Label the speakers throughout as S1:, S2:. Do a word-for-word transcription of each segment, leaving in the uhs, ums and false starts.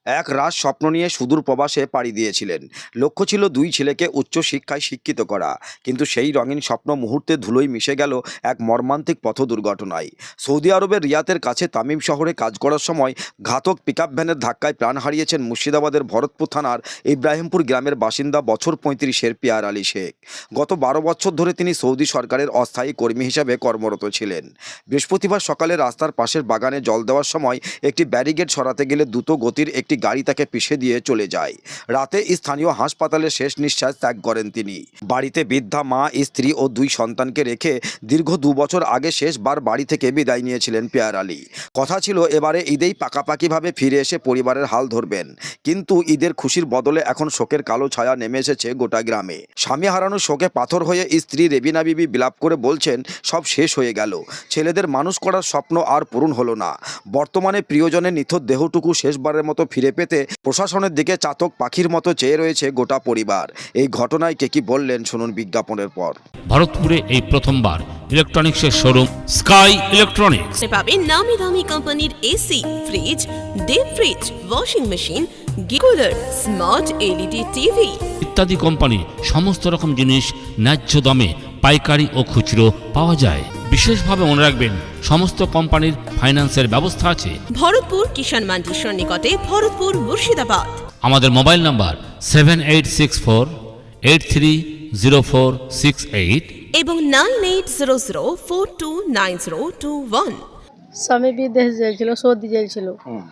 S1: এক রাত স্বপ্ন নিয়ে সুদূর প্রবাসে পাড়ি দিয়েছিলেন। লক্ষ্য ছিল দুই ছেলেকে উচ্চশিক্ষায় শিক্ষিত করা, কিন্তু সেই রঙিন স্বপ্ন মুহূর্তে ধুলোয় মিশে গেল এক মর্মান্তিক পথ দুর্ঘটনায়। সৌদি আরবের রিয়াদের কাছে তামিম শহরে কাজ করার সময় ঘাতক পিকআপ ভ্যানের ধাক্কায় প্রাণ হারিয়েছেন মুর্শিদাবাদের ভরতপুর থানার ইব্রাহিমপুর গ্রামের বাসিন্দা বছর পঁয়ত্রিশের পিয়ার আলী শেখ। গত বারো বছর ধরে তিনি সৌদি সরকারের অস্থায়ী কর্মী হিসেবে কর্মরত ছিলেন। বৃহস্পতিবার সকালে রাস্তার পাশের বাগানে জল দেওয়ার সময় একটি ব্যারিকেড সরাতে গেলে দ্রুত গতির একটি গাড়ি তাকে পিষে দিয়ে চলে যায়। রাতে স্থানীয় হাসপাতালে শেষ নিঃশ্বাস ত্যাগ করেন তিনি। বাড়িতে বৃদ্ধা মা, স্ত্রী ও দুই সন্তানকে রেখে দীর্ঘ দু বছর আগে শেষবার বাড়ি থেকে বিদায় নিয়েছিলেন পিয়ার আলী। কথা ছিল এবারে ঈদেই পাকাপাকিভাবে ফিরে এসে পরিবারের হাল ধরবেন, কিন্তু ঈদের খুশির বদলে এখন শোকের কালো ছায়া নেমে এসেছে গোটা গ্রামে। স্বামী হারানোর শোকে পাথর হয়ে স্ত্রী রেবিনা বিবি বিলাপ করে বলছেন, সব শেষ হয়ে গেল, ছেলেদের মানুষ করার স্বপ্ন আর পূরণ হলো না। বর্তমানে প্রিয়জনের নিথর দেহটুকু শেষবারের মতো ফিরে পেতে প্রশাসনের দিকে চাতক পাখির মতো চেয়ে রয়েছে গোটা পরিবার। এই ঘটনায় কে কি বললেন শুনুন বিজ্ঞাপনের পর।
S2: ভারতপুরে এই প্রথমবার ইলেকট্রনিক্সের শোরুম স্কাই ইলেকট্রনিক্স
S3: পাবেন নামি দামি কোম্পানির AC, fridge, deep fridge, washing machine, cooler, smart LED TV
S2: ইত্যাদি কোম্পানি সমস্ত রকম জিনিস ন্যায্য দামে পাইকারি ও খুচরো পাওয়া যায়। বিশেষভাবে মনে রাখবেন, সমস্ত কোম্পানির ফাইন্যান্সের ব্যবস্থা আছে।
S3: ভরতপুর কিষাণ মান্ডির নিকটে, ভরতপুর, মুর্শিদাবাদ।
S2: আমাদের mobile number seven eight six four eight three zero four six eight
S3: এবং nine eight zero zero four two nine zero two one.
S4: স্বামী বিদেশ যাইছিল, সৌদি যাইছিল।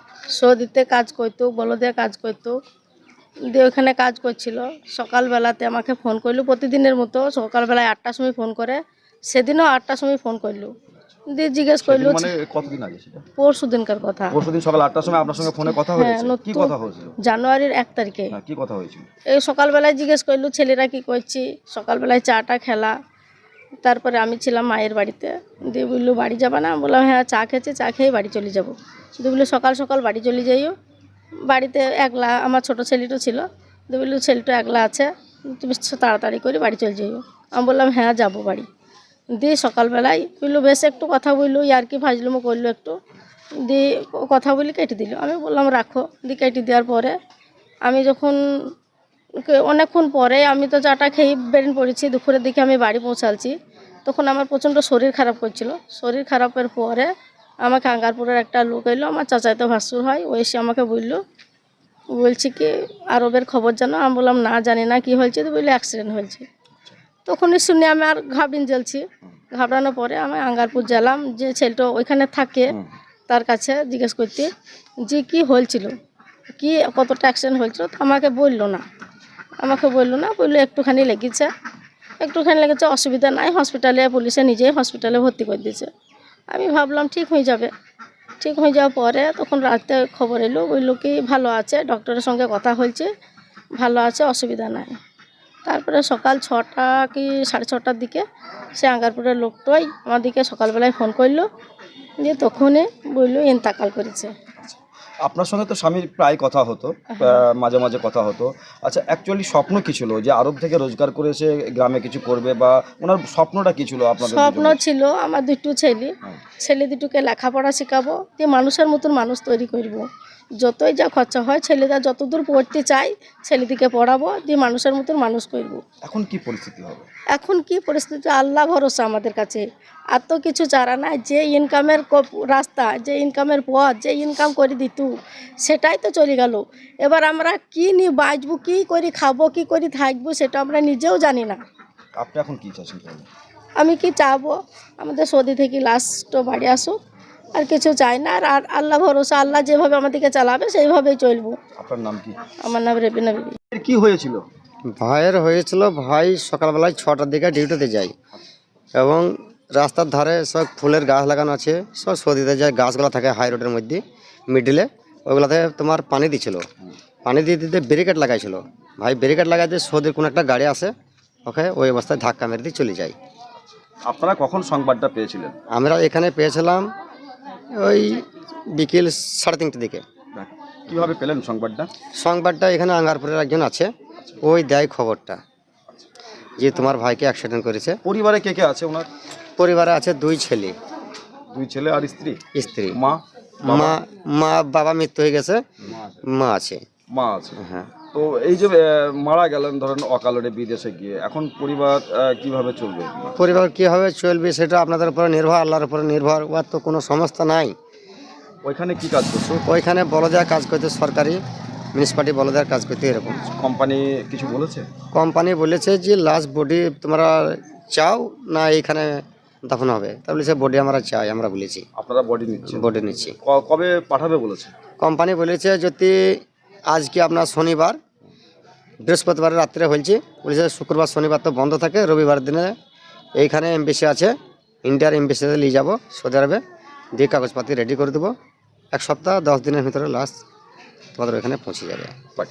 S4: সৌদিতে কাজ করতো, বলদে কাজ করতো, দিয়ে ওখানে কাজ করছিল। সকালবেলাতে আমাকে ফোন করলো, প্রতিদিনের মতো সকালবেলায় আটটার সময় ফোন করে। সেদিনও আটটার সময় ফোন করলো, দিয়ে জিজ্ঞেস করলো
S1: মানে কতদিন আগে সেটা?
S4: পরশু দিনকার কথা।
S1: পরশুদিন সকাল আটটার সময় আপনার সঙ্গে ফোনে কথা হয়েছে?
S4: হ্যাঁ,
S1: কি কথা হয়েছিল?
S4: জানুয়ারির এক তারিখে।
S1: হ্যাঁ, কি কথা হয়েছিল?
S4: এই সকালবেলায় জিজ্ঞেস করলো ছেলেরা কি করছি, সকালবেলায় চাটা খেলা। তারপরে আমি ছিলাম মায়ের বাড়িতে, দিয়ে বললো বাড়ি যাবা না? বললাম হ্যাঁ, চা খেয়েছি, চা খেয়ে বাড়ি চলে যাবো। দিয়ে বললো সকাল সকাল বাড়ি চলে যাইও, বাড়িতে একলা আমার ছোটো ছেলেটা ছিল। দিয়ে বললো ছেলেটা একলা আছে, তুমি তাড়াতাড়ি করে বাড়ি চলে যাইও। আমি বললাম হ্যাঁ যাবো বাড়ি। দিয়ে সকালবেলায় বললো বেশ একটু কথা বললো, আর কি ফাজলুমো করলো একটু, দিয়ে কথা বলি কেটে দিল। আমি বললাম রাখো। দিয়ে কেটে দেওয়ার পরে আমি যখন অনেকক্ষণ পরে, আমি তো চাটা খেয়ে বেরিয়ে পড়েছি, দুপুরের দিকে আমি বাড়ি পৌঁছালছি, তখন আমার প্রচণ্ড শরীর খারাপ করছিল। শরীর খারাপের পরে আমাকে আঙ্গারপুরের একটা লোক এলো, আমার চাচাইতো ভাসুর হয়, ও এসে আমাকে বললো, বলছি কি আরবের খবর জানো? আমি বললাম না, জানি না, কি হয়েছে? তো বললো অ্যাক্সিডেন্ট হয়েছে। তখনই শুনে আমি আর ঘাবড়িয়ে জ্বলছি। ঘাবড়ানোর পরে আমি আঙ্গারপুর গেলাম, যে ছেলেটা ওইখানে থাকে তার কাছে জিজ্ঞেস করতে যে কি হয়েছিল, কি কতটা অ্যাক্সিডেন্ট হয়েছিল। তো আমাকে বললো না, আমাকে বললো না, বললো একটুখানি লেগেছে, একটুখানি লেগেছে, অসুবিধা নাই, হসপিটালে পুলিশে নিজেই হসপিটালে ভর্তি করে দিয়েছে। আমি ভাবলাম ঠিক হয়ে যাবে। ঠিক হয়ে যাওয়ার পরে তখন রাতে খবর এলো, বললো কি ভালো আছে, ডক্টরের সঙ্গে কথা হয়েছে, ভালো আছে, অসুবিধা নাই। তারপরে সকাল ছটা কি সাড়ে ছটার দিকে সে আঙ্গারপুরের লোকটাই আমাদেরকে সকালবেলায় ফোন করলো, দিয়ে তখনই বললো ইন্তেকাল করেছে।
S1: আপনার সঙ্গে তো স্বামীর প্রায় কথা হতো, মাঝে মাঝে কথা হতো। আচ্ছা, অ্যাকচুয়ালি স্বপ্ন কি ছিল যে আরব থেকে রোজগার করে এসে গ্রামে কিছু করবে, বা ওনার স্বপ্নটা কি ছিল? আপনাদের
S4: স্বপ্ন ছিল আমার দুটো ছেলে, ছেলে দুটোকে লেখাপড়া শেখাবো, দিয়ে মানুষের মতন মানুষ তৈরি করব। যতই যা খরচা হয়, ছেলেরা যতদূর পড়তে চাই ছেলেদিকে পড়াবো, দিয়ে মানুষের মতন মানুষ করব।
S1: এখন কি পরিস্থিতি হবে?
S4: এখন কি পরিস্থিতি, আল্লাহ ভরসা আমাদের কাছে। আর তো কিছু চারা নাই, যে ইনকামের রাস্তা, যে ইনকামের পথ, যে ইনকাম করে দিত সেটাই তো চলে গেল। এবার আমরা কি নিয়ে বাঁচবো, কী করে খাবো, কী করে থাকবো, সেটা আমরা নিজেও জানি না।
S1: আপনি এখন কি চাচ্ছেন?
S4: আমি কি চাবো, আমাদের সৌদি থেকে লাস্ট বাড়ি আসুক, আর কিছু চাই না। আর আল্লাহ ভরসা, আল্লাহ যেভাবে আমাদেরকে চালাবে সেইভাবেই চলবো।
S1: আপনার নাম কি?
S4: আমার নাম রেবিনা বিবি।
S1: কি হয়েছিল?
S5: ভাইয়ের হয়েছিল, ভাই সকালবেলায় ছটার দিকে ডিউটিতে যায়, এবং রাস্তার ধারে সব ফুলের গাছ লাগানো আছে, সব সৌদিতে যায়, গাছগুলো থাকে হাই রোডের মধ্যে মিডিলে, ওইগুলোতে তোমার পানি দিচ্ছিল। পানি দিয়ে দিতে ব্যারিকেড লাগাইছিল। ভাই ব্যারিকেড লাগাই দিয়ে সৌদির কোনো একটা গাড়ি আসে, ওকে ওই অবস্থায় ধাক্কা মেরে দিয়ে চলে যায়।
S1: আপনারা কখন সংবাদটা পেয়েছিলেন?
S5: আমরা এখানে পেয়েছিলাম ওই বিকেল সাড়ে তিনটের দিকে।
S1: কিভাবে পেলেন সংবাদটা?
S5: সংবাদটা এখানে আঙ্গারপুরের একজন আছে, ওই দেয় খবরটা যে তোমার ভাইকে অ্যাক্সিডেন্ট করেছে।
S1: পরিবারে কে কে আছে ওনার?
S5: পরিবারে আছে দুই ছেলে।
S1: দুই ছেলে আর স্ত্রী?
S5: স্ত্রী।
S1: মা?
S5: মা মা বাবা মৃত্যু হয়ে গেছে, মা আছে।
S1: মা আছে।
S5: হ্যাঁ,
S1: তো এই যে আহ, মারা গেলেন ধরেন অকালরে বিদেশে গিয়ে, এখন পরিবার আহ, কিভাবে চলবে?
S5: পরিবার কীভাবে চলবে সেটা আপনাদের উপরে নির্ভর, আল্লাহর উপরে নির্ভর। ওর তো কোনো সংস্থা নাই।
S1: ওইখানে কি কাজ করছো?
S5: ওইখানে বলদেয়া কাজ করতে, সরকারি মিউনিসিপালিটি বলদেয়ার কাজ করতে এরকম।
S1: কোম্পানি কিছু বলেছে?
S5: কোম্পানি বলেছে যে লাস্ট বডি তোমরা চাও না এইখানে দাফন হবে, তা বলেছে বডি আমরা চাই, আমরা বলেছি
S1: আপনারা বডি নিচ্ছেন?
S5: বডি নিচ্ছি।
S1: ক- কবে পাঠাবে বলেছে?
S5: কোম্পানি বলেছে যদি আজকে আপনার শনিবার, বৃহস্পতিবার রাত্রে হয়েছে, বলেছে শুক্রবার শনিবার তো বন্ধ থাকে, রবিবার দিনে এইখানে এমবেসি আছে, ইন্ডিয়ার এমবেসিতে নিয়ে যাবো সৌদি আরবে, দিয়ে কাগজপাতি রেডি করে দেবো। এক সপ্তাহ দশ দিনের ভিতরে লাস্ট তোমাদের ওইখানে পৌঁছে যাবে।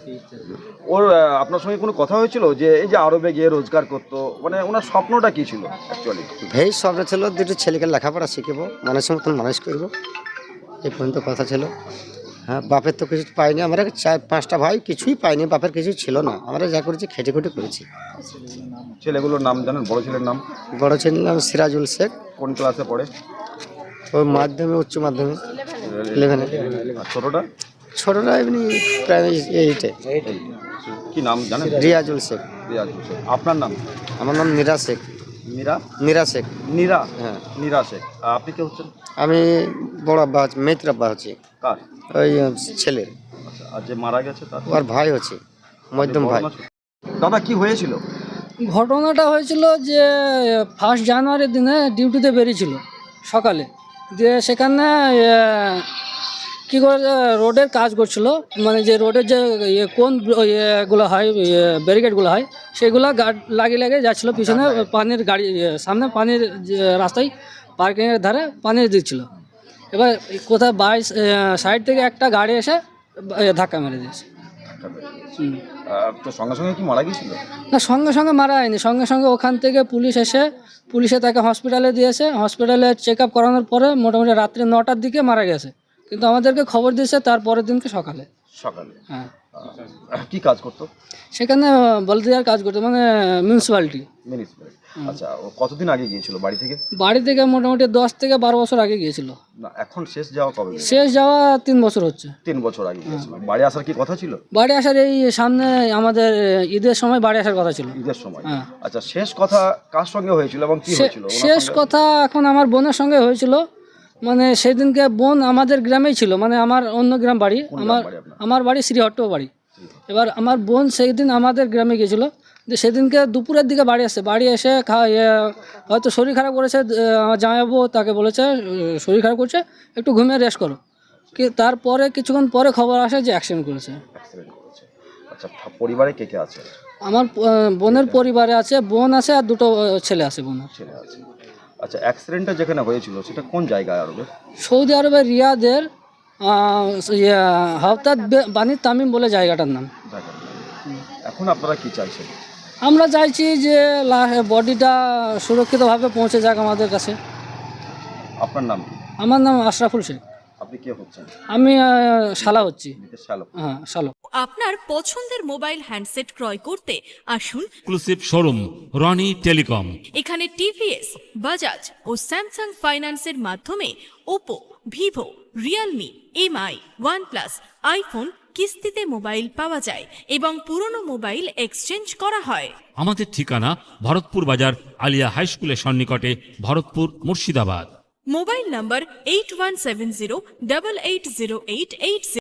S1: ওর আহ, আপনার সঙ্গে কোনো কথা হয়েছিল যে এই যে আরবে গিয়ে রোজগার করতো, মানে ওনার স্বপ্নটা কি ছিল অ্যাকচুয়ালি?
S5: ভেই স্বপ্ন ছিল দুটো ছেলেকে লেখাপড়া শিখবো, মানুষের মতন মানুষ করবো, এই পর্যন্ত কথা ছিল। হ্যাঁ, বাপের তো কিছু পাইনি, আমরা চার পাঁচটা ভাই কিছুই পাইনি, বাপের কিছু ছিল না, আমরা যা করেছি খেটে খুটে করেছি।
S1: ছেলেগুলোর নাম জানেন? বড় ছেলের নাম?
S5: বড় ছেলের নাম সিরাজুল শেখ,
S1: কোন ক্লাসে পড়ে?
S5: ওই মাধ্যমিক উচ্চ মাধ্যমিক ইলেভেনে।
S1: আর ছোটটা?
S5: ছোটরা এমনি প্রাইমারি এইটে।
S1: কি নাম জানেন?
S5: রিয়াজুল শেখ।
S1: রিয়াজ হোসেন। আপনার নাম?
S5: আমার নাম মীরা শেখ।
S1: মীরা?
S5: মীরা শেখ।
S1: নীরা?
S5: হ্যাঁ।
S1: নীরা শেখ। আর আপনি কে হচ্ছেন?
S5: আমি বড় আব্বা হচ্ছি, মেয়ের আব্বা হচ্ছি,
S1: কার?
S5: ওই আহ, ছেলের।
S1: আচ্ছা, আর যে মারা গেছে তার?
S5: ওর ভাই হচ্ছে, মধ্যম ভাই।
S1: দাদা কি হয়েছিল?
S6: ঘটনাটা হয়েছিল যে ফার্স্ট জানুয়ারির দিনে ডিউটিতে বেরিয়েছিল সকালে, দিয়ে সেখানে কী করে রোডের কাজ করছিল, মানে যে রোডের যে ইয়ে কোন ইয়েগুলো হয়, ব্যারিকেডগুলো হয়, সেগুলো গার্ড লাগিয়ে লাগিয়ে যাচ্ছিলো পিছনে পানির গাড়ি, ইয়ে, সামনে পানির যে রাস্তায় পার্কিংয়ের ধারে পানি দিচ্ছিল। এবার কোথায় বাই সাইড থেকে একটা গাড়ি এসে ধাক্কা মেরে দিয়েছে। হুম।
S1: আহ, তো সঙ্গে সঙ্গে কি মারা গিয়েছিল?
S6: না, সঙ্গে সঙ্গে মারা হয়নি, সঙ্গে সঙ্গে ওখান থেকে পুলিশ এসে পুলিশে তাকে হসপিটালে দিয়েছে। হসপিটালে চেক আপ করানোর পরে মোটামুটি রাত্রি নটার দিকে মারা গেছে, কিন্তু আমাদেরকে খবর দিয়েছে তার পরের দিনকে সকালে।
S1: সকালে?
S6: হ্যাঁ,
S1: আহ, কি কাজ করতো?
S6: সেখানে বলদিয়ার কাজ করতো, মানে মিউনিসিপ্যালিটি।
S1: মিউনিসিপ্যালিটি। আচ্ছা, ও কতদিন আগে গিয়েছিল বাড়ি থেকে?
S6: বাড়ি থেকে মোটামুটি দশ থেকে বারো বছর আগে গিয়েছিল।
S1: না, এখন শেষ যাওয়া কবে গেছে?
S6: শেষ যাওয়া তিন বছর হচ্ছে।
S1: তিন বছর আগে গিয়েছিল। বাড়ি আসার কি কথা ছিল?
S6: বাড়ি আসার এই সামনে আমাদের ঈদের সময় বাড়ি আসার কথা ছিল।
S1: ঈদের সময়?
S6: হ্যাঁ।
S1: আচ্ছা, শেষ কথা কার সঙ্গে হয়েছিল এবং কি
S6: শে-
S1: হয়েছিল? ওনার
S6: শেষ
S1: সঙ্গে?
S6: কথা এখন আমার বোনের সঙ্গে হয়েছিল। মানে সেদিনকে বোন আমাদের গ্রামেই ছিল, মানে আমার অন্য গ্রাম বাড়ি,
S1: কোন গ্রাম
S6: আমার
S1: বাড়ি আপনার?
S6: আমার বাড়ি শ্রীহট্ট বাড়ি। এবার আমার বোন সেই দিন আমাদের গ্রামে গিয়েছিল, যে সেদিনকে দুপুরের দিকে বাড়ি আসছে। বাড়ি এসে খা ইয়ে, হয়তো শরীর খারাপ করেছে, আহ, আমার জামাইবাবু তাকে বলেছে আহ, শরীর খারাপ করছে, একটু ঘুমিয়ে রেস্ট করো। কি তারপরে কিছুক্ষণ পরে খবর আসে যে অ্যাক্সিডেন্ট করেছে।
S1: অ্যাক্সিডেন্ট করেছে। আচ্ছা, ফা- পরিবারে কে কে আছে?
S6: আমার আহ, বোনের পরিবারে আছে, বোন আছে আর দুটো আহ, ছেলে আছে বোনের।
S1: ছেলে আছে। আচ্ছা, অ্যাক্সিডেন্টটা যেখানে হয়েছিল সেটা কোন জায়গায় আরবে?
S6: সৌদি আরবের রিয়াদের হাফতাদ বানি তামিম বলে জায়গাটার নাম।
S1: ঢাকা। এখন আপনারা কি চাইছেন?
S6: আমরা চাইছি যে বডিটা সুরক্ষিতভাবে পৌঁছে যাক আমাদের কাছে।
S1: আপনার নাম কি?
S6: আমার নাম আশরাফুল শেখ।
S1: আপনি কে হচ্ছেন?
S6: আমি আহ, শালা হচ্ছি।
S1: বিদেশ শ্যালক।
S6: হ্যাঁ, শালক।
S3: আপনার পছন্দের মোবাইল হ্যান্ডসেট ক্রয় করতে আসুন
S2: এক্সক্লুসিভ শোরুম রনি টেলিকম।
S3: এখানে টিভিএস, বাজাজ ও স্যামসাং ফাইন্যান্সের মাধ্যমে Oppo, Vivo, Realme, MI, OnePlus, iPhone কিস্তিতে মোবাইল পাওয়া যায় এবং পুরনো মোবাইল এক্সচেঞ্জ করা হয়।
S2: আমাদের ঠিকানা ভরতপুর বাজার আলিয়া হাই স্কুলের সন্নিকটে, Bharatpur, Murshidabad.
S3: Mobile number eight one seven zero double eight zero eight eight